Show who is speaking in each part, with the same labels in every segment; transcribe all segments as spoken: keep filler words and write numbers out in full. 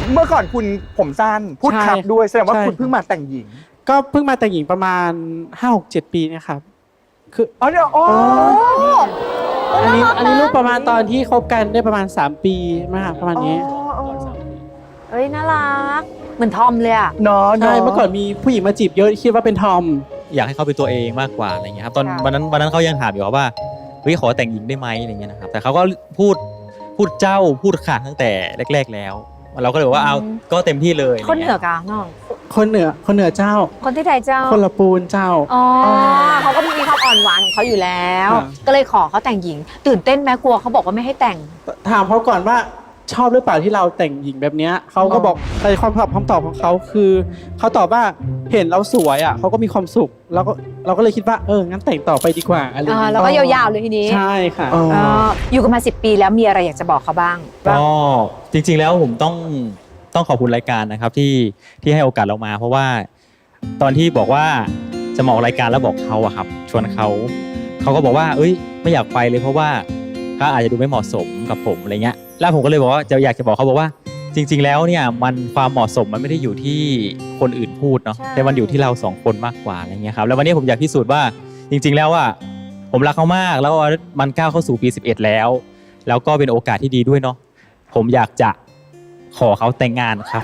Speaker 1: เมื่อก่อนคุณผมสั้นพูดครับด้วยแสดงว่าคุณเพิ่งมาแต่งหญิง
Speaker 2: ก็เพิ่งมาแต่งหญิงประมาณ ห้าหกเจ็ด ปีนะครับคือ
Speaker 1: อ๋อเดี๋ยวอ๋อ
Speaker 2: อันนี้อันนี้รูปประมาณตอนที่คบกันได้ประมาณสามปีมาประมาณนี้
Speaker 3: เฮ้ยน่ารักเหมือนทอมเลยอะ
Speaker 1: เนาะ
Speaker 2: ใช่เมื่อก่อนมีผู้หญิงมาจีบเยอะคิดว่าเป็นทอม
Speaker 4: อยากให้เขาเป็นตัวเองมากกว่าอะไรเงี้ยครับตอนวันนั้นวันนั้นเขายังถามอยู่ว่าเฮ้ยขอแต่งหญิงได้ไหมอะไรเงี้ยนะครับแต่เขาก็พูดพูดเจ้าพูดขาดตั้งแต่แรกๆแล้วเราก็เลยว่าเอาก็เต็มที่เลย
Speaker 3: คนเหนือกะน้อง
Speaker 2: คนเหนือคนเหนือเจ้า
Speaker 3: คนที่ไทยเจ้า
Speaker 2: คนละปูนเจ้า
Speaker 3: อ๋อเขาก็มีความอ่อนหวานของเขาอยู่แล้วก็เลยขอเขาแต่งหญิงตื่นเต้นไหมกลัวเขาบอกว่าไม่ให้แต่ง
Speaker 2: ถามเขาก่อนว่าชอบหรือเปล่าที่เราแต่งหญิงแบบนี้เขาก็บอกในความตอบคำตอบของเขาคือเขาตอบว่าเห็นเราสวยอ่ะเขาก็มีความสุขแล้วก็เราก็เลยคิดว่าเอองั้นแต่งต่อไปดีกว่าอะไรอย่างเงี้ย
Speaker 3: แล้วก็ยาวๆเลยทีนี้
Speaker 2: ใช่ค่ะ
Speaker 3: อยู่กันมาสิบปีแล้วมีอะไรอยากจะบอกเขาบ้าง
Speaker 4: ก็จริงๆแล้วผมต้องต้องขอบคุณรายการนะครับที่ที่ให้โอกาสเรามาเพราะว่าตอนที่บอกว่าจะมาออกรายการแล้วบอกเขาอะครับชวนเขาเขาก็บอกว่าเอ้ยไม่อยากไปเลยเพราะว่าเขาอาจจะดูไม่เหมาะสมกับผมอะไรเงี้ยแล้วผมก็เลยบอกว่าจะอยากจะบอกเขาบอกว่าจริงๆแล้วเนี่ยมันความเหมาะสมมันไม่ได้อยู่ที่คนอื่นพูดเนาะแต่มันอยู่ที่เราสองคนมากกว่าอะไรเงี้ยครับแล้ววันนี้ผมอยากพิสูจน์ว่าจริงๆแล้วว่าผมรักเขามากแล้วมันก้าวเข้าสู่ปีสิบเอ็ดแล้วแล้วก็เป็นโอกาสที่ดีด้วยเนาะผมอยากจะขอเขาแต่งงานครับ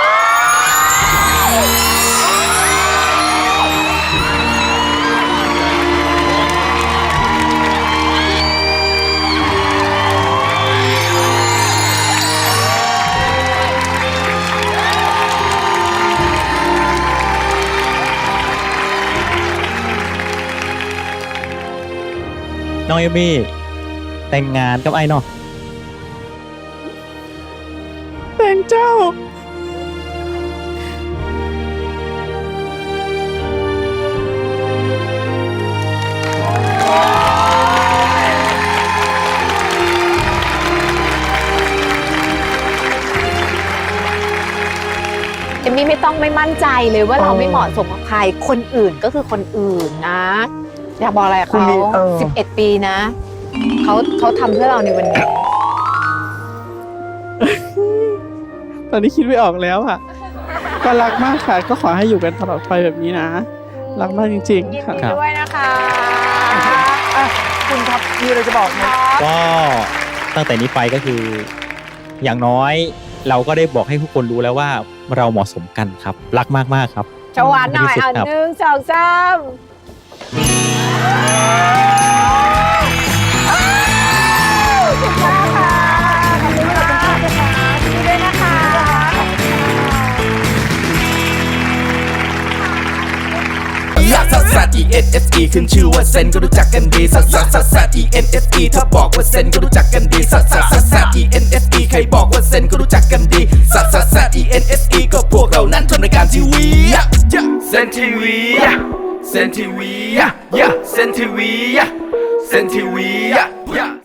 Speaker 4: น้องเอมี่แต่งงานกับไอ้เนาะ
Speaker 2: แต่งเจ้า
Speaker 3: เอมมี่ไม่ต้องไม่มั่นใจเลยว่าเราไม่เหมาะสมกับใครคนอื่นก็คือคนอื่นนะอยากบอกอะไรเขาสิบเอ็ดปีนะเขาเขาทำเพื่อเราในวันนี้
Speaker 2: ตอนนี้คิดไม่ออกแล้วค่ะก็รักมากค่ะก็ขอให้อยู่กันตลอดไปแบบนี้นะรักมากจริงๆค่ะ
Speaker 3: ยินดีด้วยนะคะ
Speaker 1: คุณครับมีอะไรจะบอกไหม
Speaker 4: ก็ตั้งแต่นี้ไปก็คืออย่างน้อยเราก็ได้บอกให้ทุกคนรู้แล้วว่าเราเหมาะสมกันครับรักมากๆครับ
Speaker 3: ชวานหน่อยอ่ะหนึ่งสองสามขอบคุณมากค่ะขอบคุณมากค่ะยินดีด้วยนะคะ
Speaker 5: ลักซัสซัส E N S E ขึ้นชื่อว่าเซนก็รู้จักกันดีซัสซัสซัสซัส E N S E ถ้าบอกว่าเซนก็รู้จักกันดีซัสซัสซัสซัส E N S E ใครบอกว่าเซนก็รู้จักกันดีซัสซัสซัส E N S E ก็พวกเรานั้นทำรายการทีวีเซนทีวีเซนทีวีเซนทีวีเซนทีวี